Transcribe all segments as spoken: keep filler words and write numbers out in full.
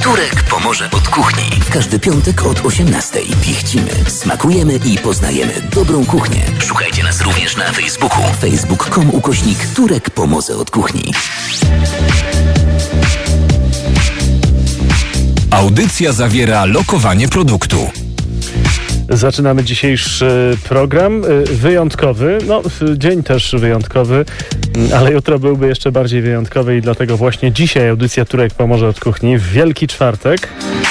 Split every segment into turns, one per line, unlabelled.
Turek pomoże od kuchni. W każdy piątek od osiemnastej pichcimy, smakujemy i poznajemy dobrą kuchnię. Szukajcie nas również na Facebooku. facebook kropka com ukośnik Turek pomoże od kuchni.
Audycja zawiera lokowanie produktu.
Zaczynamy dzisiejszy program wyjątkowy, no dzień też wyjątkowy, ale jutro byłby jeszcze bardziej wyjątkowy i dlatego właśnie dzisiaj audycja Turek pomoże od kuchni w Wielki Czwartek.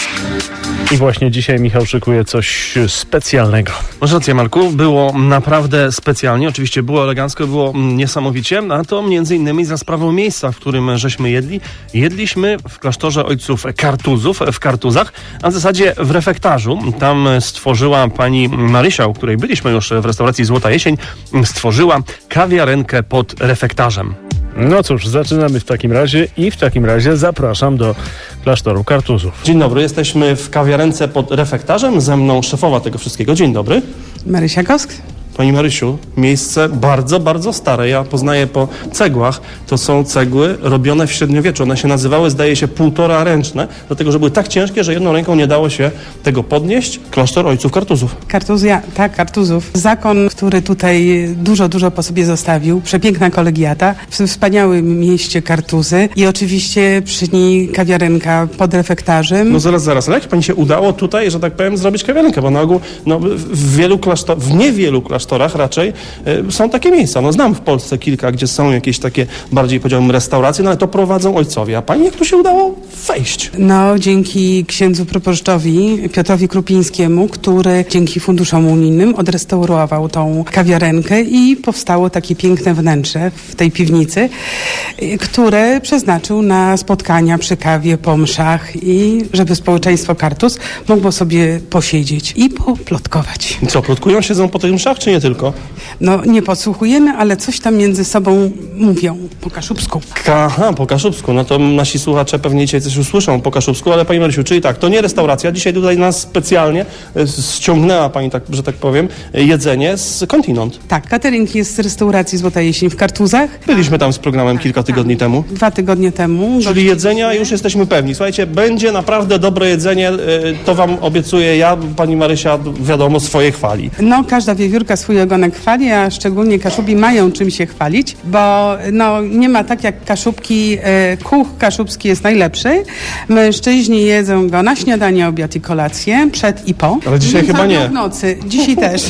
I właśnie dzisiaj Michał szykuje coś specjalnego.
Masz rację, Marku, było naprawdę specjalnie, oczywiście było elegancko, było niesamowicie, a to między innymi za sprawą miejsca, w którym żeśmy jedli. Jedliśmy w klasztorze ojców Kartuzów, w Kartuzach, a w zasadzie w refektarzu. Tam stworzyła pani Marysia, u której byliśmy już w restauracji Złota Jesień, stworzyła kawiarenkę pod refektarzem.
No cóż, zaczynamy w takim razie i w takim razie zapraszam do klasztoru Kartuzów.
Dzień dobry, jesteśmy w kawiarence pod refektarzem, ze mną szefowa tego wszystkiego. Dzień dobry.
Marysia Gosk.
Pani Marysiu, miejsce bardzo, bardzo stare. Ja poznaję po cegłach. To są cegły robione w średniowieczu. One się nazywały, zdaje się, półtora ręczne, dlatego że były tak ciężkie, że jedną ręką nie dało się tego podnieść. Klasztor ojców Kartuzów.
Kartuzja, tak, Kartuzów. Zakon, który tutaj dużo, dużo po sobie zostawił. Przepiękna kolegiata w wspaniałym mieście Kartuzy i oczywiście przy niej kawiarenka pod refektarzem.
No zaraz, zaraz. Ale jak pani się udało tutaj, że tak powiem, zrobić kawiarenkę? Bo na ogół no, w wielu klasztorach, w niewielu klasztorach raczej y, są takie miejsca. No znam w Polsce kilka, gdzie są jakieś takie bardziej, powiedziałbym, restauracje, no ale to prowadzą ojcowie. A pani jak tu się udało wejść?
No dzięki księdzu proboszczowi Piotrowi Krupińskiemu, który dzięki funduszom unijnym odrestaurował tą kawiarenkę i powstało takie piękne wnętrze w tej piwnicy, y, które przeznaczył na spotkania przy kawie, po mszach i żeby społeczeństwo Kartuz mogło sobie posiedzieć i poplotkować.
Co, plotkują, siedzą po tych mszach, czy nie tylko?
No nie podsłuchujemy, ale coś tam między sobą mówią po kaszubsku.
Aha, po kaszubsku. No to nasi słuchacze pewnie dzisiaj coś usłyszą po kaszubsku, ale pani Marysiu, czyli tak, to nie restauracja. Dzisiaj tutaj nas specjalnie ściągnęła pani, tak, że tak powiem, jedzenie z kontynent.
Tak, catering jest z restauracji Złota Jesień w Kartuzach.
Byliśmy tam z programem kilka tygodni temu.
Dwa tygodnie temu.
Czyli jedzenia już jesteśmy pewni. Słuchajcie, będzie naprawdę dobre jedzenie, to wam obiecuję ja, pani Marysia, wiadomo, swoje chwali.
No, każda wiewiórka swój ogonek chwali, a szczególnie Kaszubi mają czym się chwalić, bo no, nie ma tak jak Kaszubki, e, kuch kaszubski jest najlepszy. Mężczyźni jedzą go na śniadanie, obiad i kolację, przed i po.
Ale dzisiaj chyba nie.
W nocy, dzisiaj też.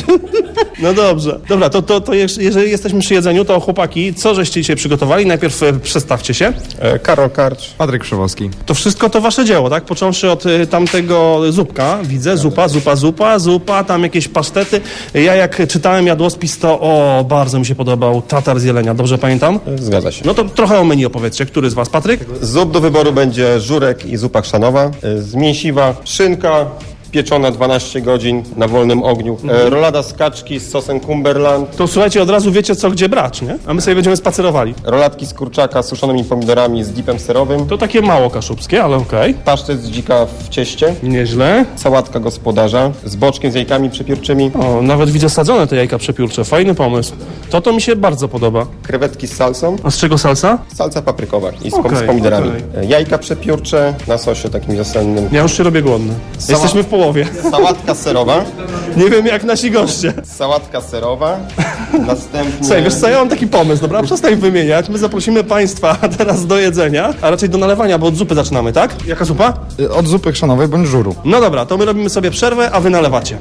No dobrze. Dobra, to, to, to jeżeli jesteśmy przy jedzeniu, to chłopaki, co żeście dzisiaj przygotowali? Najpierw e, przedstawcie się.
E, Karol Karcz, Patryk Krzywowski.
To wszystko to wasze dzieło, tak? Począwszy od e, tamtego zupka, widzę, zupa, zupa, zupa, zupa, tam jakieś pasztety. Ja jak czytałem jadłospis, to o, bardzo mi się podobał tatar z jelenia, dobrze pamiętam?
Zgadza się.
No to trochę o menu opowiedzcie. Który z was? Patryk?
Z zup do wyboru będzie żurek i zupa chrzanowa. E, Z mięsiwa szynka pieczona dwanaście godzin na wolnym ogniu. E, rolada z kaczki z sosem Cumberland.
To słuchajcie, od razu wiecie, co gdzie brać, nie? A my sobie będziemy spacerowali.
Rolatki z kurczaka z suszonymi pomidorami z dipem serowym.
To takie mało kaszubskie, ale okej.
Pasztet z dzika w cieście.
Nieźle.
Sałatka gospodarza z boczkiem z jajkami przepiórczymi.
O, nawet widzę sadzone te jajka przepiórcze. Fajny pomysł. To to mi się bardzo podoba.
Krewetki z salsą.
A z czego salsa?
Salsa paprykowa i z,
Okej,
z pomidorami.
okej.
E, Jajka przepiórcze na sosie takim wiosennym.
Ja już się robię głodny.
Sała-
Jesteśmy w połowie.
Sałatka serowa.
Nie wiem jak nasi goście.
Sałatka serowa. Następnie...
Słuchaj, wiesz co, ja mam taki pomysł, dobra? Przestań wymieniać. My zaprosimy państwa teraz do jedzenia, a raczej do nalewania, bo od zupy zaczynamy, tak? Jaka zupa?
Od zupy chrzanowej bądź żuru.
No dobra, to my robimy sobie przerwę, a wy nalewacie.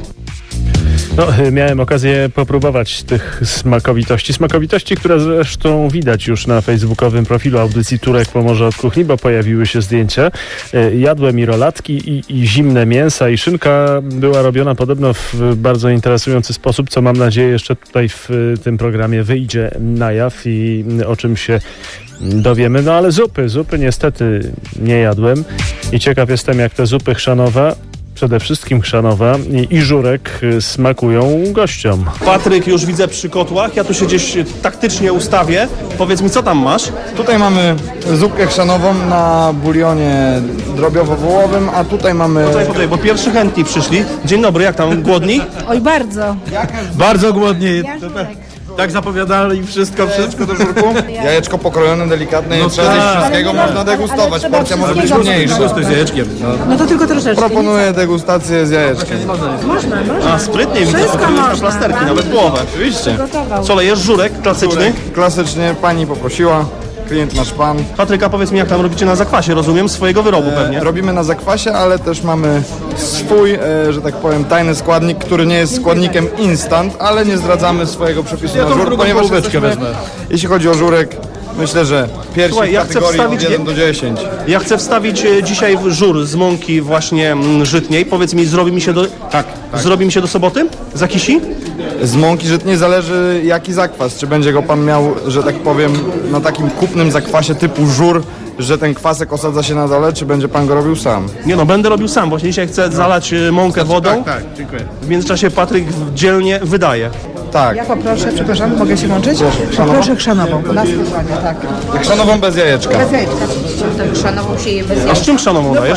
No, miałem okazję popróbować tych smakowitości. Smakowitości, które zresztą widać już na facebookowym profilu audycji Turek pomoże od kuchni, bo pojawiły się zdjęcia. Jadłem i rolatki, i, i zimne mięsa, i szynka była robiona podobno w bardzo interesujący sposób, co mam nadzieję jeszcze tutaj w tym programie wyjdzie na jaw i o czym się dowiemy. No ale zupy, zupy niestety nie jadłem i ciekaw jestem, jak te zupy chrzanowe, przede wszystkim chrzanowa i, i żurek smakują gościom.
Patryk już widzę przy kotłach, ja tu się gdzieś taktycznie ustawię. Powiedz mi, co tam masz?
Tutaj mamy zupkę chrzanową na bulionie drobiowo-wołowym, a tutaj mamy...
Tutaj, tutaj, bo pierwszy chętni przyszli. Dzień dobry, jak tam, głodni?
Oj, bardzo.
Bardzo głodni.
Ja żurek. Tak zapowiadali wszystko, wszystko do żurku?
Jajeczko pokrojone, delikatne, nie
No
trzeba
tak.
zjeść wszystkiego, można degustować, porcja może być mniejsza.
Co z jajeczkiem? No.
No to tylko troszeczkę.
Proponuję degustację z jajeczkiem.
A, sprytnie widzę, potrzebujesz na plasterki, nawet połowę.
Oczywiście.
Co lejesz? Żurek klasyczny?
Klasycznie pani poprosiła, klient nasz pan.
Patryka, powiedz mi, jak tam robicie na zakwasie, rozumiem, swojego wyrobu pewnie.
Robimy na zakwasie, ale też mamy swój, e, że tak powiem, tajny składnik, który nie jest składnikiem instant, ale nie zdradzamy swojego przepisu
Ja
na
tą
żur,
drugą
ponieważ
połóweczkę
jesteśmy,
wezmę.
jeśli chodzi o żurek, myślę, że pierwszy
Słuchaj,
w
ja chcę
kategorii
wstawić-
od jeden do dziesięciu.
Ja chcę wstawić e, dzisiaj żur z mąki właśnie mm, żytniej. Powiedz mi, zrobi mi się do...
Tak, tak.
Zrobi mi się do soboty? Zakisi?
Z mąki żytniej zależy jaki zakwas, czy będzie go pan miał, że tak powiem, na takim kupnym zakwasie typu żur, że ten kwasek osadza się na dole, czy będzie pan go robił sam?
Nie no, będę robił sam. Właśnie dzisiaj chcę zalać e, mąkę wodą.
Tak, tak, dziękuję.
W międzyczasie Patryk dzielnie wydaje.
Tak.
Ja poproszę, przepraszam, mogę się łączyć?
chrzanową?
Proszę chrzanową. Na spokojnie, tak.
Chrzanową bez jajeczka.
Bez jajeczka.
Chrzanową się je bez
A z czym chrzanową dajesz?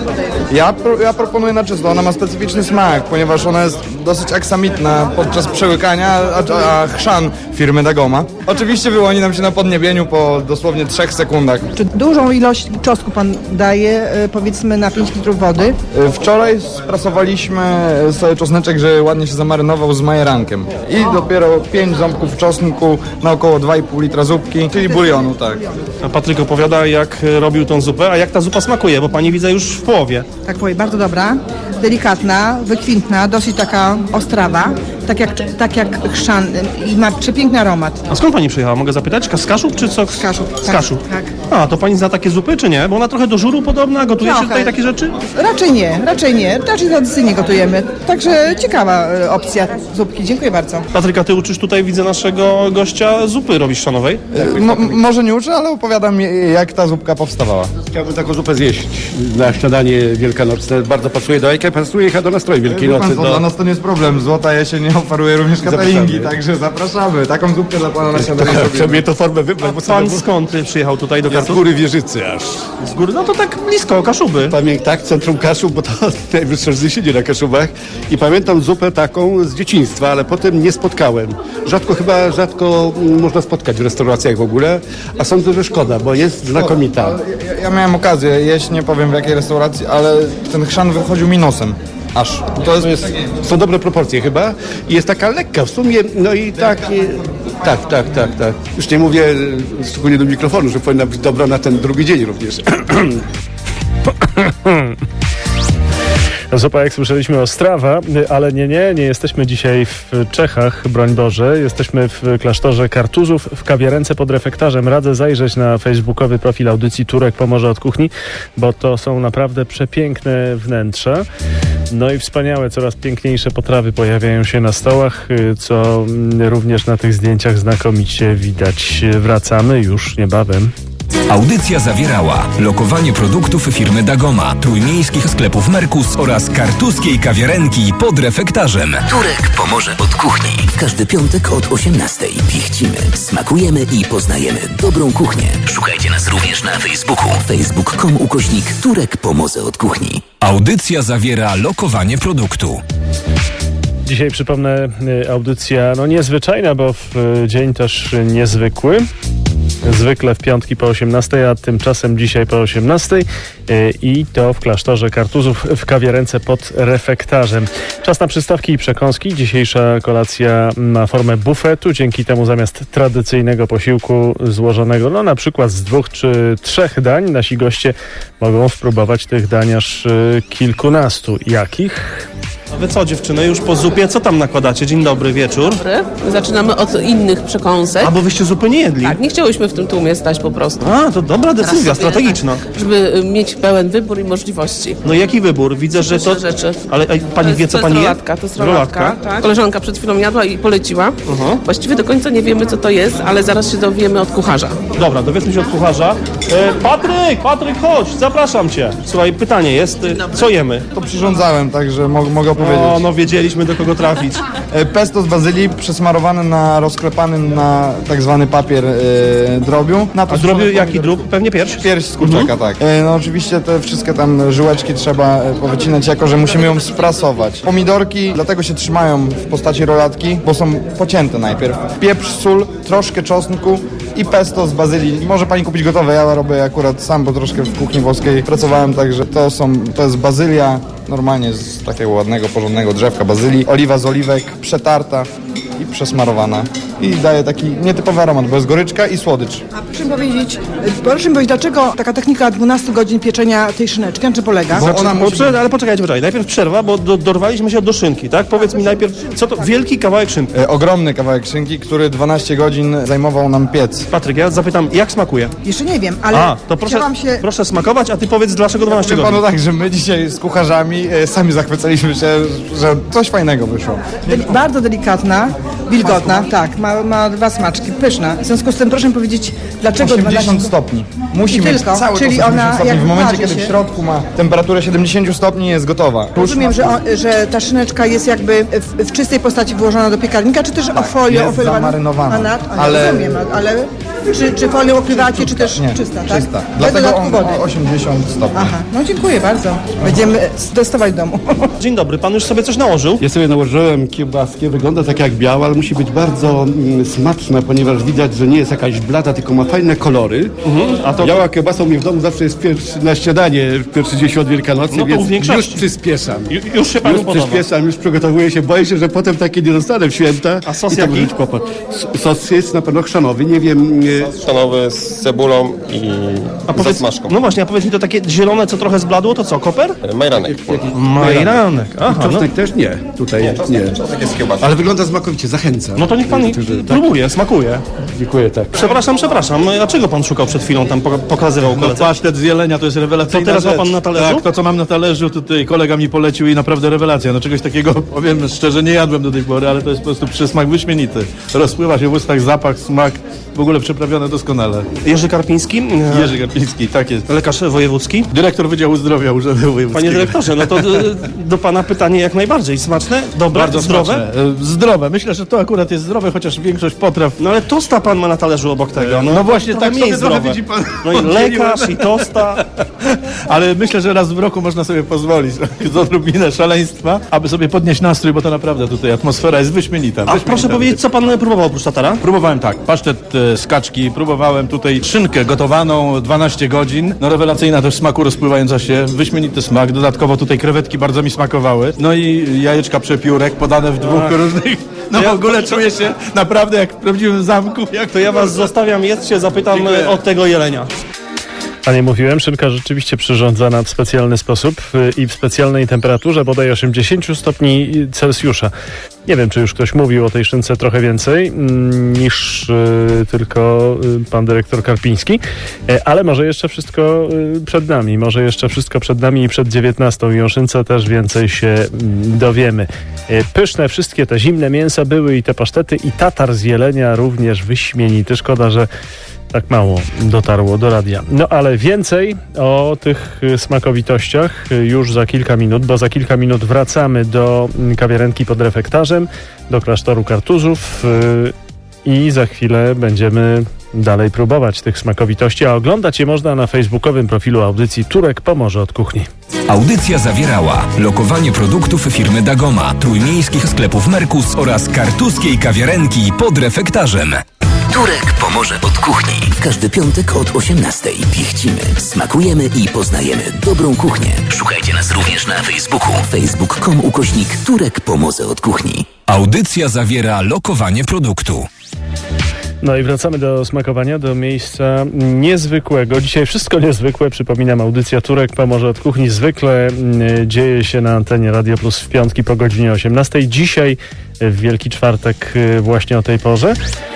Ja, pro, ja proponuję na czysto, ona ma specyficzny smak, ponieważ ona jest dosyć aksamitna podczas przełykania, a, a chrzan firmy Dagoma oczywiście wyłoni nam się na podniebieniu po dosłownie trzech sekundach.
Czy dużą ilość czosnku pan daje, y, powiedzmy, na pięć litrów wody?
Y, Wczoraj sprasowaliśmy sobie czosneczek, że ładnie się zamarynował z majerankiem i dopiero pięć ząbków czosnku na około dwa i pół litra zupki, czyli bulionu, tak.
A Patryk opowiada, jak e, robił tą zupę, a jak ta zupa smakuje, bo pani widzę już w połowie.
Tak powiem, bardzo dobra, delikatna, wykwintna, dosyć taka ostrawa, tak jak, tak jak chrzan y, i ma przepiękny aromat.
A skąd pani przyjechała? Mogę zapytać? Ka- Z Kaszub czy co? Z
Kaszub,
Z
tak,
Kaszub.
tak.
A, to pani zna takie zupy, czy nie? Bo ona trochę do żuru podobna, gotuje się
Trochę.
tutaj takie rzeczy?
Raczej nie, raczej nie, raczej tradycyjnie gotujemy, także ciekawa y, opcja zupki, dziękuję bardzo.
Patryka, ty uczysz tutaj, widzę, naszego gościa zupy robisz chrzanowej.
Y, mo- może nie uczę, ale opowiadam jak ta zupka powstawała.
Chciałbym taką zupę zjeść na śniadanie wielkanocne. Bardzo pasuje do jajka, pasuje chyba do nastroju Wielkiej
Wie pan
Nocy.
co,
Do...
dla nas to nie jest problem, Złota Jesień nie oferuje również cateringi,
Zapraszamy.
także zapraszamy. Taką zupkę dla pana na śniadanie
Trzeba
zrobimy.
mnie to formę wybrać, bo
Pan
sobie
skąd przyjechał tutaj do
z
Kartu?
góry Wieżycy aż.
Z góry? No to tak blisko, Kaszuby.
Pamiętam, tak, centrum Kaszub, bo to najwyższe wzniesienie na Kaszubach. I pamiętam zupę taką z dzieciństwa, ale potem nie spotkałem. Rzadko chyba, rzadko mm, można spotkać w restauracjach w ogóle, a sądzę, że szkoda, bo jest znakomita.
Ja, ja miałem okazję jeść, nie powiem w jakiej restauracji, ale ten chrzan wychodził mi nosem. Aż.
To jest, jest, są dobre proporcje chyba i jest taka lekka w sumie, no i tak, e, tak, tak, tak, tak. Już nie mówię e, szczególnie do mikrofonu, że powinna być dobra na ten drugi dzień również.
Zupa, jak słyszeliśmy, Ostrawa, ale nie, nie, nie jesteśmy dzisiaj w Czechach, broń Boże. Jesteśmy w klasztorze Kartuzów w kawiarence pod refektarzem. Radzę zajrzeć na facebookowy profil audycji Turek Pomoże od Kuchni, bo to są naprawdę przepiękne wnętrza. No i wspaniałe, coraz piękniejsze potrawy pojawiają się na stołach, co również na tych zdjęciach znakomicie widać. Wracamy już niebawem.
Audycja zawierała lokowanie produktów firmy Dagoma, trójmiejskich sklepów Merkus oraz kartuskiej kawiarenki pod refektarzem.
Turek pomoże od kuchni. W każdy piątek od osiemnastej. Pichcimy, smakujemy i poznajemy dobrą kuchnię. Szukajcie nas również na Facebooku. facebook kropka com ukośnik Turek pomoże od kuchni.
Audycja zawiera lokowanie produktu.
Dzisiaj przypomnę, y, audycja no niezwyczajna, bo w y, dzień też y, niezwykły. Zwykle w piątki po osiemnastej, a tymczasem dzisiaj po osiemnastej y, i to w klasztorze Kartuzów w kawiarence pod refektarzem. Czas na przystawki i przekąski. Dzisiejsza kolacja ma formę bufetu. Dzięki temu zamiast tradycyjnego posiłku złożonego no na przykład z dwóch czy trzech dań, nasi goście mogą spróbować tych dań aż y, kilkunastu. Jakich?
A wy co, dziewczyny, już po zupie, co tam nakładacie? Dzień dobry, wieczór.
Dobry. Zaczynamy od innych przekąsek.
A bo wyście zupy nie jedli.
Tak, nie chciałyśmy w tym tłumie stać po prostu.
A, to dobra
Teraz
decyzja,
sobie,
strategiczna.
tak, żeby mieć pełen wybór i możliwości.
No jaki wybór? Widzę, że to...
Pyszne rzeczy.
Ale ej, pani wie, co
to
pani
jest
je?
rolatka, to jest rolatka, tak. Koleżanka przed chwilą jadła i poleciła.
Aha.
Właściwie do końca nie wiemy, co to jest, ale zaraz się dowiemy od kucharza.
Dobra, dowiedzmy się od kucharza. E, Patryk, Patryk, chodź, zapraszam cię. Słuchaj, pytanie jest, e, co jemy?
To przyrządzałem, także mo- mogę powiedzieć.
O, no wiedzieliśmy, do kogo trafić.
E, Pesto z bazylii przesmarowane na rozklepanym na tak zwany papier e, drobiu. Na to
A drobiu
wrzucone
jaki
pomidor-
drób? Pewnie pierś?
Pierś z kurczaka, tak. E, no oczywiście te wszystkie tam żyłeczki trzeba e, powycinać, jako że musimy ją sprasować. Pomidorki dlatego się trzymają w postaci rolatki, bo są pocięte najpierw. Pieprz, sól, troszkę czosnku i pesto z bazylii. Może pani kupić gotowe, ja robię akurat sam, bo troszkę w kuchni włoskiej pracowałem, także to są, to jest bazylia, normalnie z takiego ładnego, porządnego drzewka bazylii, oliwa z oliwek, przetarta i przesmarowana. I daje taki nietypowy aromat, bo jest goryczka i słodycz.
A proszę mi powiedzieć, proszę mi powiedzieć, dlaczego taka technika dwunastu godzin pieczenia tej szyneczki, na czym polega?
Bo ona
Bo
musi...
prze- ale poczekajcie, poczekajcie. Najpierw przerwa, bo do, dorwaliśmy się do szynki, tak? Powiedz mi najpierw, co to wielki kawałek szynki.
E, ogromny kawałek szynki, który dwanaście godzin zajmował nam piec.
Patryk, ja zapytam, jak smakuje?
Jeszcze nie wiem, ale
A, to proszę,
chciałam się...
proszę smakować, a ty powiedz, dlaczego dwanaście
Powiem
godzin.
panu tak, że my dzisiaj z kucharzami e, sami zachwycaliśmy się, że coś fajnego wyszło.
Deli- bardzo delikatna, wilgotna, tak, ma, ma dwa smaczki, pyszna. W związku z tym proszę mi powiedzieć, dlaczego
osiemdziesiąt stopni. Musi
I
mieć
tylko,
cały
czyli
czas
ona
osiemdziesiąt stopni.
jak
W momencie,
waży
kiedy
się-
w środku ma temperaturę siedemdziesiąt stopni, jest gotowa.
Rozumiem, że, on, że ta szyneczka jest jakby w, w czystej postaci włożona do piekarnika, czy też o folię
jest
ofoiliowana?
zamarynowana.
A na- a nie
Ale-
rozumiem, ale czy, czy folią okrywacie, czy też
Nie,
czysta, tak?
czysta.
Bez
Dlatego
dodatku
on
wody.
ma osiemdziesiąt stopni.
Aha, no dziękuję bardzo. Będziemy testować w domu.
Dzień dobry, pan już sobie coś nałożył?
Ja sobie nałożyłem kiełbaskę, wygląda tak jak biała, ale musi być bardzo mm, smaczna, ponieważ widać, że nie jest jakaś blada, tylko ma fajne kolory.
A to
Biała kiełbasa u mnie w domu zawsze jest pierwszy, na śniadanie, w pierwszy dzień świąt Wielkanocy,
No to u
więc już
większości.
przyspieszam.
Ju, już się panu
Już
podoba.
przyspieszam, już przygotowuję się, boję się, że potem takie nie dostanę w święta.
A sos
i to
jaki?
może być kłopot. S- Sos jest na pewno chrzanowy, nie wiem... e,
Szanowy z cebulą i
A powiedz,
zasmażką.
no właśnie, a powiedz mi to takie zielone, co trochę zbladło, to co, koper?
Majranek.
Majranek. Aha, no,
Czosnek też nie, tutaj nie.
Tak jest kiełbasa.
Ale wygląda smakowicie, zachęcam.
no to niech pan
Także, tak,
próbuje, smakuje.
dziękuję, tak.
Przepraszam, przepraszam, a czego pan szukał przed chwilą, tam poka- pokazywał
No
koledze?
pasztet z jelenia to jest rewelacyjna
To teraz ma
rzecz.
pan na talerzu?
Tak, to co mam na talerzu, tutaj kolega mi polecił i naprawdę rewelacja. No czegoś takiego, powiem szczerze, nie jadłem do tej pory, ale to jest po prostu przysmak wyśmienity. Rozpływa się w ustach zapach, smak, w ogóle przyprawione doskonale.
Jerzy Karpiński,
Jerzy Garpiński, tak jest.
lekarz wojewódzki.
Dyrektor Wydziału Zdrowia Urzędu Wojewódzkiego.
Panie dyrektorze, no to y, do pana pytanie jak najbardziej. Smaczne? Dobre?
Bardzo
zdrowe?
smaczne. E, Zdrowe. Myślę, że to akurat jest zdrowe, chociaż większość potraw.
No ale tosta pan ma na talerzu obok tego.
No właśnie,
trochę
tak
mniej
sobie trochę
zdrowe.
widzi pan.
No i lekarz, i tosta.
Ale myślę, że raz w roku można sobie pozwolić z odrobinę szaleństwa, aby sobie podnieść nastrój, bo to naprawdę tutaj atmosfera jest wyśmienita.
A
wyśmienita.
proszę powiedzieć, co pan próbował oprócz tatara?
Próbowałem tak, pasztet e, z kaczki, próbowałem tutaj szynkę gotowaną dwanaście godzin, no rewelacyjna też w smaku rozpływająca się, wyśmienity smak, dodatkowo tutaj krewetki bardzo mi smakowały, no i jajeczka przepiórek podane w dwóch różnych, no w ogóle czuję się naprawdę jak w prawdziwym zamku. Jak
To ja was zostawiam, jedzcie, zapytam
Dziękuję.
od tego jelenia.
A nie mówiłem, szynka rzeczywiście przyrządzana w specjalny sposób y, i w specjalnej temperaturze, bodaj osiemdziesiąt stopni Celsjusza. Nie wiem, czy już ktoś mówił o tej szynce trochę więcej mm, niż y, tylko y, pan dyrektor Karpiński, e, ale może jeszcze wszystko y, przed nami, może jeszcze wszystko przed nami i przed dziewiętnastą i o szynce też więcej się mm, dowiemy. E, pyszne wszystkie te zimne mięsa były i te pasztety i tatar z jelenia również wyśmienity. Szkoda, że tak mało dotarło do radia. No ale więcej o tych y, smakowitościach y, już za kilka minut, bo za kilka minut wracamy do mm, kawiarenki pod refektarzem, do klasztoru Kartuzów y, i za chwilę będziemy dalej próbować tych smakowitości, a oglądać je można na facebookowym profilu audycji Turek pomoże od kuchni.
Audycja zawierała lokowanie produktów firmy Dagoma, trójmiejskich sklepów Merkus oraz kartuskiej kawiarenki pod refektarzem.
Turek pomoże od kuchni. W każdy piątek od osiemnastej. Pichcimy, smakujemy i poznajemy dobrą kuchnię. Szukajcie nas również na Facebooku. facebook kropka com ukośnik Turek pomoże od kuchni.
Audycja zawiera lokowanie produktu.
No i wracamy do smakowania, do miejsca niezwykłego. Dzisiaj wszystko niezwykłe. Przypominam, audycja Turek pomoże od kuchni. Zwykle mm, dzieje się na antenie Radio Plus w piątki po godzinie osiemnastej. Dzisiaj w Wielki Czwartek y, właśnie o tej porze.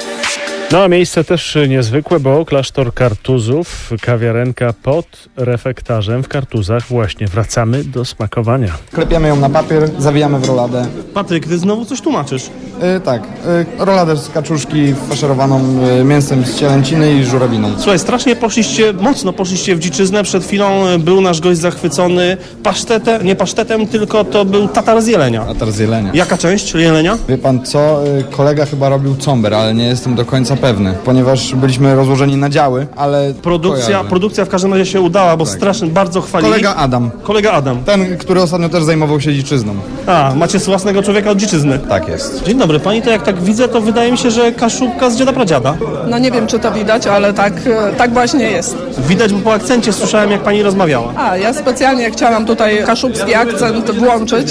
No a miejsce też niezwykłe, bo klasztor Kartuzów, kawiarenka pod refektarzem w Kartuzach. Właśnie wracamy do smakowania.
Klepiemy ją na papier, zawijamy w roladę.
Patryk, ty znowu coś tłumaczysz.
Y, tak, y, roladę z kaczuszki faszerowaną y, mięsem z cielęciny i żurawiną.
Słuchaj, strasznie poszliście, mocno poszliście w dziczyznę. Przed chwilą był nasz gość zachwycony pasztetem, nie pasztetem, tylko to był tatar z jelenia.
Tatar z jelenia.
Jaka część jelenia?
Wie pan co, y, kolega chyba robił comber, ale nie jestem do końca pewny, ponieważ byliśmy rozłożeni na działy, ale
Produkcja,
kojarzę.
produkcja w każdym razie się udała, bo
Tak.
strasznie, bardzo chwalili.
Kolega Adam.
Kolega Adam.
Ten, który ostatnio też zajmował się dziczyzną.
A, macie własnego człowieka od dziczyzny.
Tak jest.
Dzień dobry, pani to jak tak widzę, to wydaje mi się, że kaszubka z dziada pradziada.
No nie wiem, czy to widać, ale tak, tak właśnie jest.
Widać, bo po akcencie słyszałem, jak pani rozmawiała.
A, ja specjalnie chciałam tutaj kaszubski akcent włączyć,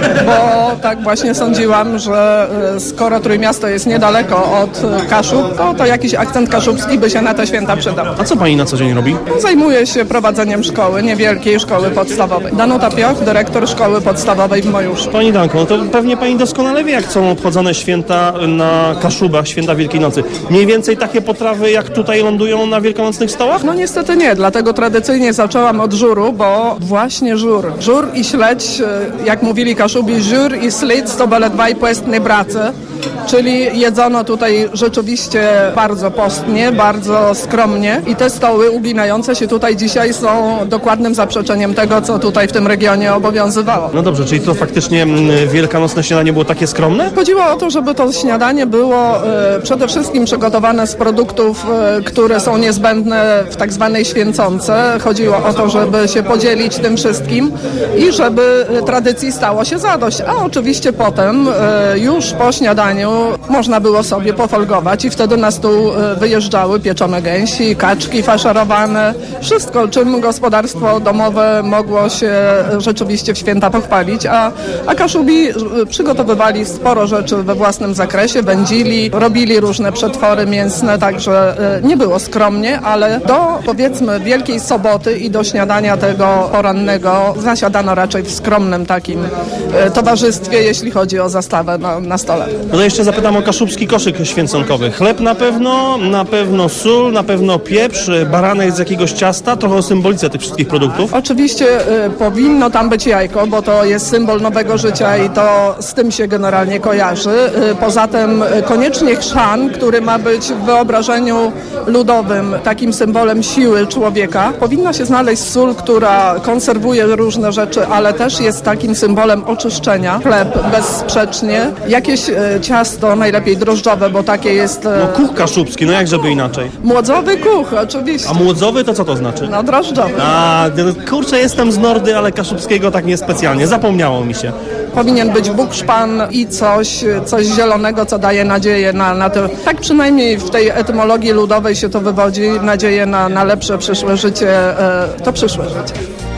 bo tak właśnie sądziłam, że e, skoro Trójmiasto jest niedaleko od e, Kaszub, to, to jakiś akcent kaszubski by się na te święta przydał.
A co pani na co dzień robi?
Zajmuję się prowadzeniem szkoły, niewielkiej szkoły podstawowej. Danuta Pioch, dyrektor szkoły podstawowej w Mojuszu.
Pani Danko, no to pewnie pani doskonale wie, jak są obchodzone święta na Kaszubach, święta Wielkiej Nocy. Mniej więcej takie potrawy, jak tutaj lądują na wielkanocnych stołach?
No niestety nie, dlatego tradycyjnie zaczęłam od żuru, bo właśnie żur. Żur i śledź, e, jak mówili Kaszubi, żur i śledź to były dwaj płestne brace. Czyli jedzono tutaj rzeczywiście bardzo postnie, bardzo skromnie i te stoły uginające się tutaj dzisiaj są dokładnym zaprzeczeniem tego, co tutaj w tym regionie obowiązywało.
No dobrze, czyli to faktycznie mm, wielkanocne śniadanie było takie skromne?
Chodziło o to, żeby to śniadanie było e, przede wszystkim przygotowane z produktów, e, które są niezbędne w tak zwanej święconce. Chodziło o to, żeby się podzielić tym wszystkim i żeby tradycji stało się zadość. A oczywiście potem e, już po śniadaniu można było sobie pofolgować i wtedy na stół e, wyjeżdżały pieczone gęsi, kaczki faszerowane, wszystko, czym gospodarstwo domowe mogło się e, rzeczywiście w święta pochwalić, a, a Kaszubi e, przygotowywali sporo rzeczy we własnym zakresie, wędzili, robili różne przetwory mięsne, także e, nie było skromnie, ale do powiedzmy Wielkiej Soboty i do śniadania tego porannego zasiadano raczej w skromnym takim e, towarzystwie, jeśli chodzi o zastawę na, na stole.
No to jeszcze zapytam o kaszubski koszyk święconkowy. Chleb na pewno, na pewno sól, na pewno pieprz, baranek z jakiegoś ciasta, trochę o symbolice tych wszystkich produktów.
Oczywiście y, powinno tam być jajko, bo to jest symbol nowego życia i to z tym się generalnie kojarzy. Y, poza tym y, koniecznie chrzan, który ma być w wyobrażeniu ludowym takim symbolem siły człowieka. Powinna się znaleźć sól, która konserwuje różne rzeczy, ale też jest takim symbolem oczyszczenia. Chleb bezsprzecznie. Jakieś y, ciasto, najlepiej drożdżowe, bo takie jest... Y,
No kuch kaszubski, no jak żeby inaczej.
Młodzowy kuch, oczywiście.
A młodzowy to co to znaczy?
No drożdżowy.
A, no, kurczę, jestem z Nordy, ale kaszubskiego tak niespecjalnie. Zapomniało mi się.
Powinien być bukszpan i coś, coś zielonego, co daje nadzieję na, na to. Tak przynajmniej w tej etymologii ludowej się to wywodzi, nadzieję na, na lepsze przyszłe życie, e, to przyszłe życie.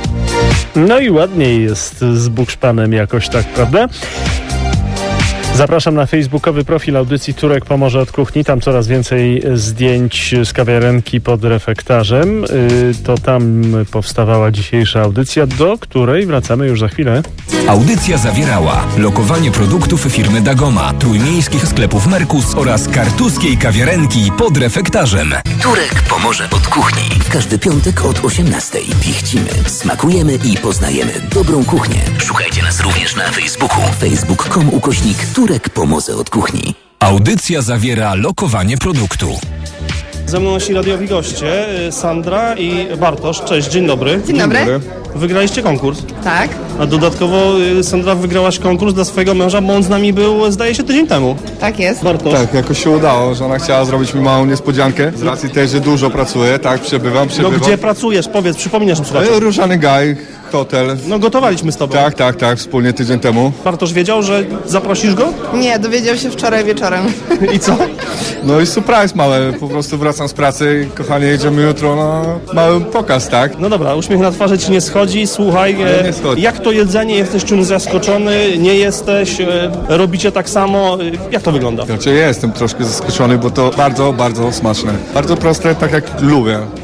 No i ładniej jest z bukszpanem jakoś tak, prawda? Zapraszam na facebookowy profil audycji Turek Pomoże od Kuchni. Tam coraz więcej zdjęć z kawiarenki pod refektarzem. To tam powstawała dzisiejsza audycja, do której wracamy już za chwilę.
Audycja zawierała lokowanie produktów firmy Dagoma, trójmiejskich sklepów Merkus oraz kartuskiej kawiarenki pod refektarzem.
Turek Pomoże od Kuchni. W każdy piątek od osiemnastej. Pichcimy, smakujemy i poznajemy dobrą kuchnię. Szukajcie nas również na Facebooku. facebook kropka com ukośnik Turek Pomoże od Kuchni.
Audycja zawiera lokowanie produktu.
Ze mną nasi radiowi goście, Sandra i Bartosz. Cześć, dzień dobry.
Dzień dobry.
Wygraliście konkurs.
Tak,
A dodatkowo, Sandra, wygrałaś konkurs dla swojego męża, bo on z nami był, zdaje się, tydzień temu.
tak jest.
Bartosz.
Tak, jakoś się udało, że ona chciała zrobić mi małą niespodziankę. Z racji tej, że dużo pracuję, tak, przebywam,
No
przebywam.
gdzie pracujesz? Powiedz, przypominasz mi
E,
słuchaczom.
Różany Gaj, hotel.
No gotowaliśmy z tobą.
Tak, tak, tak, wspólnie tydzień temu.
Bartosz wiedział, że zaprosisz go?
Nie, dowiedział się wczoraj wieczorem.
I co?
No i surprise mały, po prostu wracam z pracy, kochanie, jedziemy jutro na mały pokaz, tak?
No dobra, uśmiech na twarzy ci nie schodzi. Słuchaj,
Nie, nie
e,
schodzi.
jak to jedzenie? Jesteś czymś zaskoczony? Nie jesteś? E, robicie tak samo? E, jak to wygląda?
Znaczy ja jestem troszkę zaskoczony, bo to bardzo, bardzo smaczne. Bardzo proste, tak jak lubię.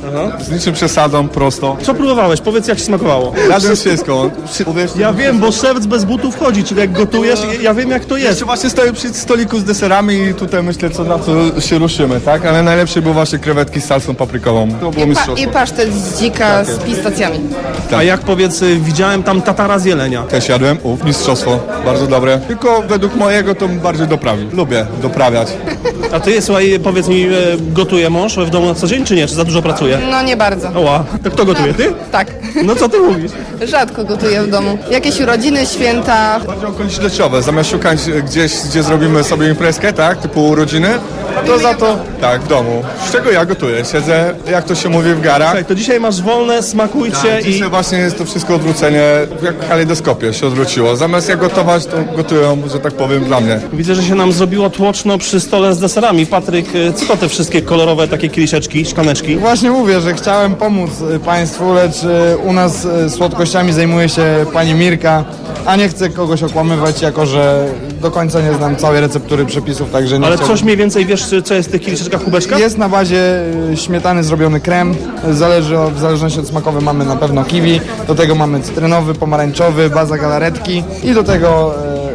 z niczym przesadą, prosto.
Co próbowałeś? Powiedz, jak ci smakowało.
Razem wszystko.
Ja wiem, bo szewc bez butów wchodzi, czyli jak gotujesz, ja wiem, jak to jest.
Jeszcze właśnie stoję przy stoliku z deserami i tutaj myślę, co na co się ruszymy, tak? Ale najlepsze były właśnie krewetki z salsą paprykową. To było
I, pa,
mistrzostwo.
I pasztet z dzika z pistacjami.
A jak powiedz, y, widziałem tam tatara z jelenia.
Też jadłem, uf, mistrzostwo, bardzo dobre. Tylko według mojego to bym bardziej doprawił. Lubię doprawiać.
A ty, słuchaj, powiedz mi, y, gotuje mąż w domu na co dzień, czy nie? Czy za dużo pracuje?
No nie bardzo.
Oła, to kto gotuje? Ty?
Tak.
No co ty mówisz?
Rzadko gotuję w domu. Jakieś urodziny, święta.
Bardziej okolicznościowe, zamiast szukać gdzieś, gdzie zrobimy sobie imprezkę, tak? Typu urodziny, to za to, tak, w domu. Z czego ja gotuję? Siedzę, jak to się mówi, w garach.
Słuchaj, to dzisiaj masz wolne, smakujcie
Tak,
i...
dzisiaj właśnie jest to wszystko odwrócenie, jak w kalejdoskopie się odwróciło. Zamiast jak gotować, to gotują, że tak powiem, dla mnie.
Widzę, że się nam zrobiło tłoczno przy stole z deserami. Patryk, y, co to te wszystkie kolorowe takie kieliszeczki, szklaneczki?
Właśnie mówię, że chciałem pomóc y, Państwu, lecz y, u nas y, słodkościami zajmuje się pani Mirka, a nie chcę kogoś okłamywać, jako że do końca nie znam całej receptury przepisów, także nie
Ale
chciałbym...
coś mniej więcej wiesz, co jest w tych kieliszeczkach, kubeczkach?
Jest na bazie y, śmietany zrobiony krem, zależy od, w zależności od smakowy mamy na pewno kiwi, do tego mamy cytrynowy, pomarańczowy, baza galaretki i do tego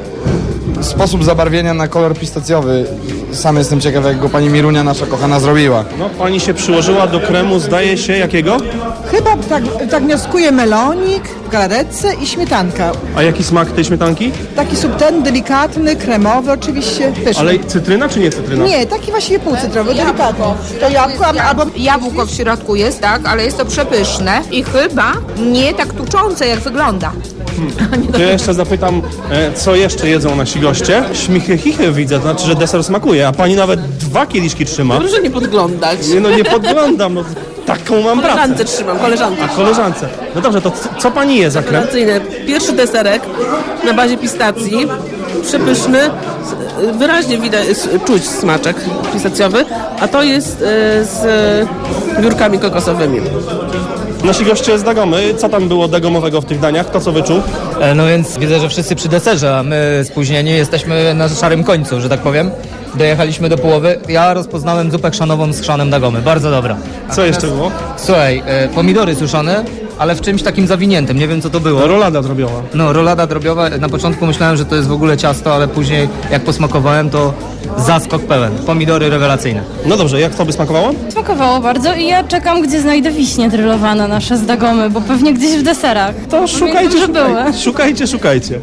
y, sposób zabarwienia na kolor pistacjowy. Sam jestem ciekaw, jak go pani Mirunia, nasza kochana, zrobiła.
No, pani się przyłożyła do kremu, zdaje się, jakiego?
Chyba tak, tak wnioskuję melonik w galaretce i śmietanka.
A jaki smak tej śmietanki?
Taki subtelny, delikatny, kremowy oczywiście, pyszny.
Ale cytryna czy nie cytryna?
Nie, taki właściwie półcytrowy, delikatny. To jabłko albo...
Jabłko w środku jest, tak, ale jest to przepyszne i chyba nie tak tuczące, jak wygląda.
To ja jeszcze zapytam, e, co jeszcze jedzą nasi goście? Śmichy chichy widzę, to znaczy, że deser smakuje, a pani nawet dwa kieliszki trzyma.
Proszę nie podglądać.
Nie, no nie podglądam, no taką mam pracę.
Koleżance trzymam, koleżance.
A koleżance. No dobrze, to c- co pani je za krem?
Rewelacyjny. Pierwszy deserek na bazie pistacji, przepyszny, s- wyraźnie widać, s- czuć smaczek pistacjowy, a to jest e, z e, biurkami kokosowymi.
Nasi goście z Dagomy, co tam było dagomowego w tych daniach? Kto co wyczuł?
E, No więc widzę, że wszyscy przy deserze, a my spóźnieni jesteśmy na szarym końcu, że tak powiem. Dojechaliśmy do połowy. Ja rozpoznałem zupę chrzanową z chrzanem Dagomy. Bardzo dobra. A
Co jeszcze było?
Słuchaj, e, pomidory suszone, ale w czymś takim zawiniętym. Nie wiem, co to było.
Rolada drobiowa.
No, rolada drobiowa. Na początku myślałem, że to jest w ogóle ciasto, ale później jak posmakowałem, to zaskok pełen. Pomidory rewelacyjne.
No dobrze, jak tobie smakowało?
Smakowało bardzo i ja czekam, gdzie znajdę wiśnie drylowane nasze z Dagomy, bo pewnie gdzieś w deserach.
To szukajcie,
że były.
szukajcie, szukajcie, szukajcie.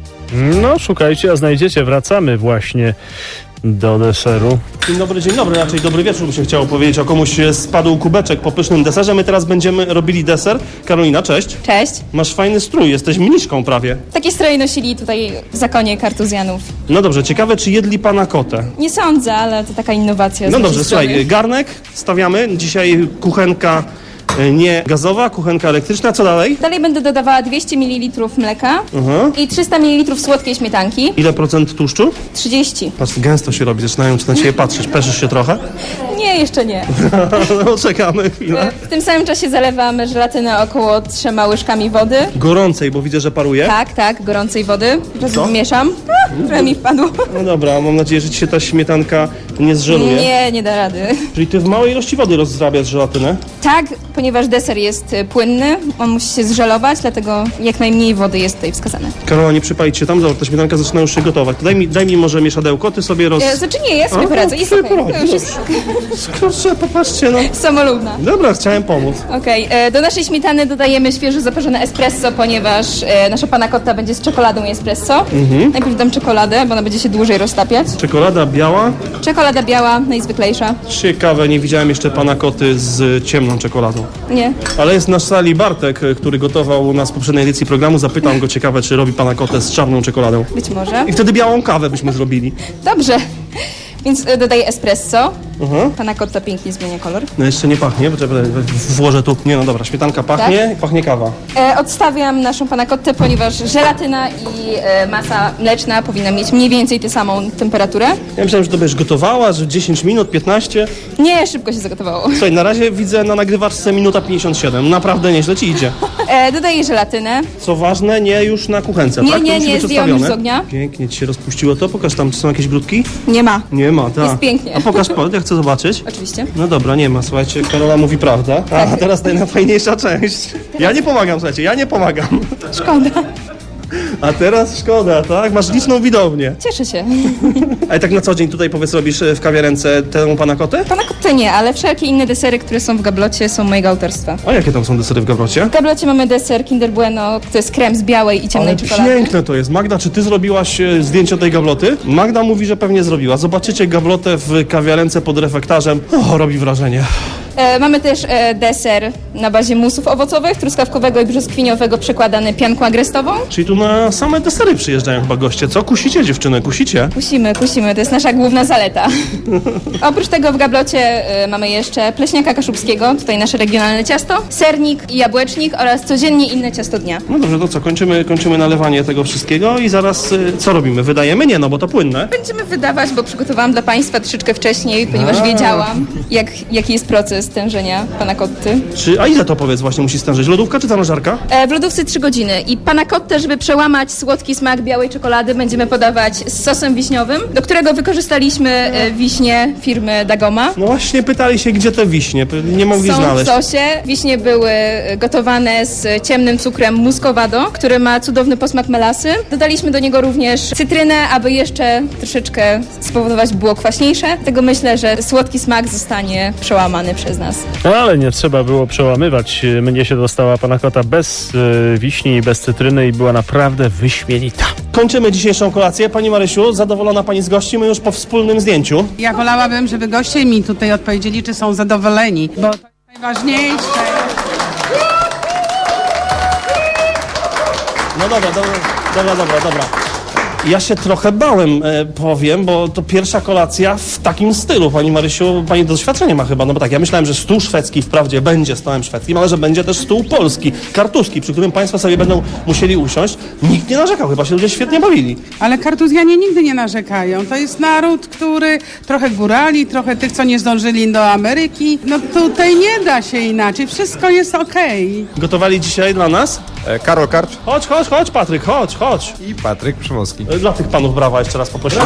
No, szukajcie, a znajdziecie. Wracamy właśnie do deseru.
Dzień dobry, dzień dobry, raczej dobry wieczór by się chciało powiedzieć, o komuś spadł kubeczek po pysznym deserze. My teraz będziemy robili deser. Karolina, cześć.
Cześć.
Masz fajny strój, jesteś mniszką prawie.
Takie stroje nosili tutaj w zakonie kartuzjanów.
No dobrze, ciekawe, czy jedli pana kotę?
Nie sądzę, ale to taka innowacja. z
No
naszej
dobrze,
strony.
słuchaj, garnek stawiamy. Dzisiaj kuchenka e, nie gazowa, kuchenka elektryczna. Co dalej?
Dalej będę dodawała dwieście mililitrów mleka
Mhm.
i trzysta mililitrów słodkiej śmietanki.
Ile procent tłuszczu?
trzydzieści.
Patrz, gęsto się robi, zaczynają na ciebie patrzeć. Peszysz się trochę?
Nie, jeszcze nie.
No czekamy chwilę.
W tym samym czasie zalewam żelatynę około trzema łyżkami wody.
Gorącej, bo widzę, że paruje.
Tak, tak, gorącej wody. Teraz
Co?
mieszam. A, trochę mi wpadło.
No dobra, mam nadzieję, że ci się ta śmietanka nie zżeluje.
Nie, nie da rady.
Czyli ty w małej ilości wody rozrabiasz żelatynę?
Tak, ponieważ deser jest y, płynny, on musi się zżelować, dlatego jak najmniej wody jest tutaj wskazane.
Karola, nie przypalić się tam, zobacz, ta śmietanka zaczyna już się gotować. To daj mi, daj mi może mieszadełko, ty sobie roz...
E, Znaczy nie, ja sobie
A,
poradzę.
no,
Jest
sobie
okej.
poradzi,
To już jest
Kurczę, popatrzcie, no.
samolubna.
Dobra, chciałem pomóc.
Okej, e, do naszej śmietany dodajemy świeżo zaparzone espresso, ponieważ e, nasza panna cotta będzie z czekoladą i espresso.
Mhm.
Najpierw dam czekoladę, bo ona będzie się dłużej roztapiać.
Czekolada biała.
Czekolada biała, najzwyklejsza.
Ciekawe, nie widziałem jeszcze pana koty z ciemną czekoladą.
Nie.
Ale jest na sali Bartek, który gotował u nas w poprzedniej edycji programu. Zapytam go, ciekawe, czy robi pana kotę z czarną czekoladą.
Być może.
I wtedy białą kawę byśmy zrobili.
Dobrze. Więc e, dodaję espresso.
Mhm.
Panna cotta pięknie zmienia kolor.
No jeszcze nie pachnie, bo czekaj, włożę tu. Nie, no dobra, śmietanka pachnie,
Tak?
pachnie kawa.
E, odstawiam naszą panna cottę, ponieważ żelatyna i e, masa mleczna powinna mieć mniej więcej tę samą temperaturę.
Ja myślałem, że to będziesz gotowała, że dziesięć minut, piętnaście.
Nie, szybko się zagotowało.
Słuchaj, na razie widzę na nagrywaczce minuta pięćdziesiąt siedem. Naprawdę nieźle ci idzie.
E, dodaję żelatynę.
Co ważne, nie już na kuchence,
Nie,
tak?
nie,
to musi
nie,
być
zdjęłam
odstawione.
już z ognia.
Pięknie ci się rozpuściło to. Pokaż tam, czy są jakieś grudki?
Nie ma.
Nie ma, tak.
Jest pięknie.
A pokaż, po- jak chcę zobaczyć?
Oczywiście.
No dobra, nie ma, słuchajcie, Karola mówi prawda. A teraz najfajniejsza część. Ja nie pomagam, słuchajcie, ja nie pomagam.
Szkoda.
A teraz szkoda, tak? Masz liczną widownię.
Cieszę się.
A tak na co dzień tutaj, powiedz, robisz w kawiarence tę panna cottę?
Panna cottę nie, ale wszelkie inne desery, które są w gablocie, są mojego autorstwa.
A jakie tam są desery w gablocie?
W gablocie mamy deser Kinder Bueno, to jest krem z białej i ciemnej
Ale
czekolady.
piękne to jest. Magda, czy ty zrobiłaś e, zdjęcie tej gabloty? Magda mówi, że pewnie zrobiła. Zobaczycie gablotę w kawiarence pod refektarzem. O, robi wrażenie.
E, mamy też e, deser na bazie musów owocowych, truskawkowego i brzoskwiniowego przekładany pianką agrestową.
Czyli tu na same desery przyjeżdżają chyba goście. Co? Kusicie, dziewczyny? Kusicie?
Kusimy, kusimy, to jest nasza główna zaleta. Oprócz tego w gablocie e, mamy jeszcze pleśniaka kaszubskiego, tutaj nasze regionalne ciasto, sernik i jabłecznik oraz codziennie inne ciasto dnia.
No dobrze, to co? Kończymy, kończymy nalewanie tego wszystkiego i zaraz e, co robimy? Wydajemy? Nie, no bo to płynne.
Będziemy wydawać, bo przygotowałam dla Państwa troszeczkę wcześniej, ponieważ
A.
wiedziałam, jak, jaki jest proces stężenia panna cotty.
Czy, a ile to powiedz właśnie musi stężyć? Lodówka czy zamrażarka?
E, w lodówce trzy godziny i panna cottę, żeby przełamać słodki smak białej czekolady, będziemy podawać z sosem wiśniowym, do którego wykorzystaliśmy e, wiśnie firmy Dagoma.
No właśnie pytali się, gdzie te wiśnie. Nie mogli
Są
znaleźć.
w sosie. Wiśnie były gotowane z ciemnym cukrem muscovado, który ma cudowny posmak melasy. Dodaliśmy do niego również cytrynę, aby jeszcze troszeczkę spowodować było kwaśniejsze. Dlatego myślę, że słodki smak zostanie przełamany przez nas.
No ale nie trzeba było przełamywać. Mnie się dostała panna cotta bez y, wiśni i bez cytryny i była naprawdę wyśmienita.
Kończymy dzisiejszą kolację. Pani Marysiu, zadowolona Pani z gości? My już po wspólnym zdjęciu.
Ja wolałabym, żeby goście mi tutaj odpowiedzieli, czy są zadowoleni, bo to jest najważniejsze.
No dobra, dobra, dobra, dobra, dobra. Ja się trochę bałem, e, powiem, bo to pierwsza kolacja w takim stylu. Pani Marysiu, Pani doświadczenie ma chyba, no bo tak, ja myślałem, że stół szwedzki wprawdzie będzie stołem szwedzkim, ale że będzie też stół polski, kartuszki, przy którym Państwo sobie będą musieli usiąść. Nikt nie narzekał, chyba się ludzie świetnie bawili.
Ale Kartuzjanie nigdy nie narzekają. To jest naród, który trochę górali, trochę tych, co nie zdążyli do Ameryki. No tutaj nie da się inaczej, wszystko jest okej.
Gotowali dzisiaj dla nas?
E, Karol Karcz
Chodź, chodź, chodź Patryk, chodź, chodź.
i Patryk Przymowski.
E, Dla tych panów brawa jeszcze raz poprosimy.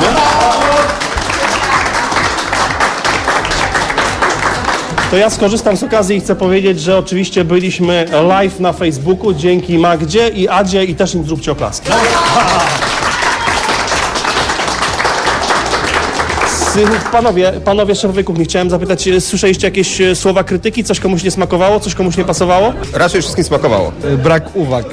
To ja skorzystam z okazji i chcę powiedzieć, że oczywiście byliśmy live na Facebooku dzięki Magdzie i Adzie i też im zróbcie oklaski. Panowie, panowie szefowie kuchni, chciałem zapytać, słyszeliście jakieś słowa krytyki? Coś komuś nie smakowało? Coś komuś nie pasowało?
Raczej wszystkim smakowało.
Brak uwag.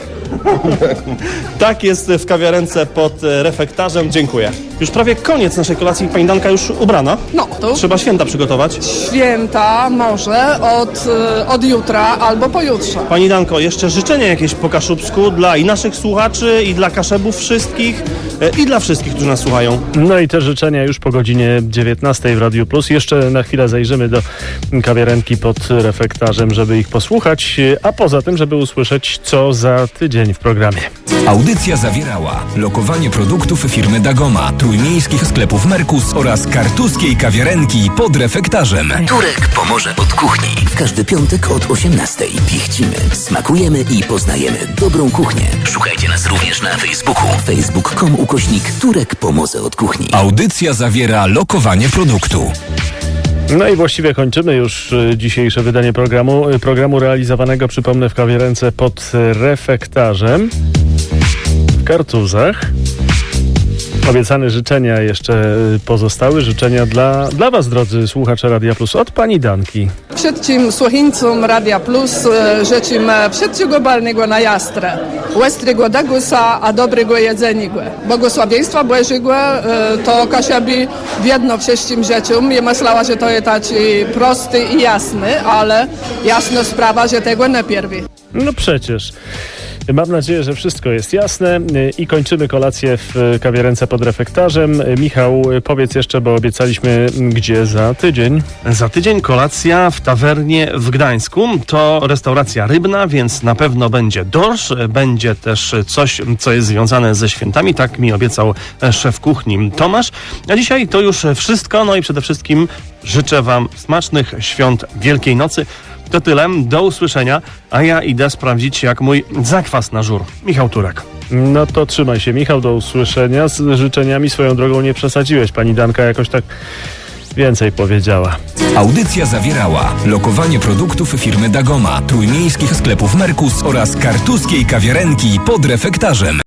Tak jest w kawiarence pod refektarzem. Dziękuję. Już prawie koniec naszej kolacji. Pani Danka już ubrana?
No, to
Trzeba święta przygotować.
święta może od, y, od jutra albo pojutrze.
Pani Danko, jeszcze życzenia jakieś po kaszubsku dla i naszych słuchaczy, i dla kaszebów wszystkich, e, i dla wszystkich, którzy nas słuchają.
No i te życzenia już po godzinie dziewiętnastej w Radiu Plus. Jeszcze na chwilę zajrzymy do kawiarenki pod refektarzem, żeby ich posłuchać, a poza tym, żeby usłyszeć, co za tydzień w programie.
Audycja zawierała lokowanie produktów firmy Dagoma, trójmiejskich sklepów Merkus oraz kartuskiej kawiarenki pod refektarzem.
Turek pomoże od kuchni. W każdy piątek od osiemnastej. Pichcimy, smakujemy i poznajemy dobrą kuchnię. Szukajcie nas również na Facebooku. facebook kropka com ukośnik Turek pomoże od kuchni.
Audycja zawiera lokowanie produktu.
No i właściwie kończymy już y, dzisiejsze wydanie programu. Y, programu realizowanego, przypomnę, w kawiarence pod refektarzem w Kartuzach. Obiecane życzenia jeszcze y, pozostały. Życzenia dla, dla Was, drodzy słuchacze Radia Plus, od pani Danki.
Všetkim słuchaczom Radia Plus y, życzę wszystkiego balnego na jastrę. Łestrego dagusa, a dobrego jedzenia. Błogosławieństwa Bożego y, to Kasiabi wiedno wszystkim rzeczom. Ja myślała, że to jest taki prosty i jasny, ale jasna sprawa, że tego nie pierwi.
No przecież. Mam nadzieję, że wszystko jest jasne i kończymy kolację w kawiarence pod refektarzem. Michał, powiedz jeszcze, bo obiecaliśmy, gdzie za tydzień.
Za tydzień kolacja w tawernie w Gdańsku. To restauracja rybna, więc na pewno będzie dorsz. Będzie też coś, co jest związane ze świętami. Tak mi obiecał szef kuchni Tomasz. A dzisiaj to już wszystko. No i przede wszystkim życzę Wam smacznych świąt Wielkiej Nocy. To tyle, do usłyszenia, a ja idę sprawdzić, jak mój zakwas na żur. Michał Turek.
No to trzymaj się, Michał, do usłyszenia. Z życzeniami swoją drogą nie przesadziłeś. Pani Danka jakoś tak więcej powiedziała.
Audycja zawierała lokowanie produktów firmy Dagoma, trójmiejskich sklepów Merkus oraz kartuskiej kawiarenki pod refektarzem.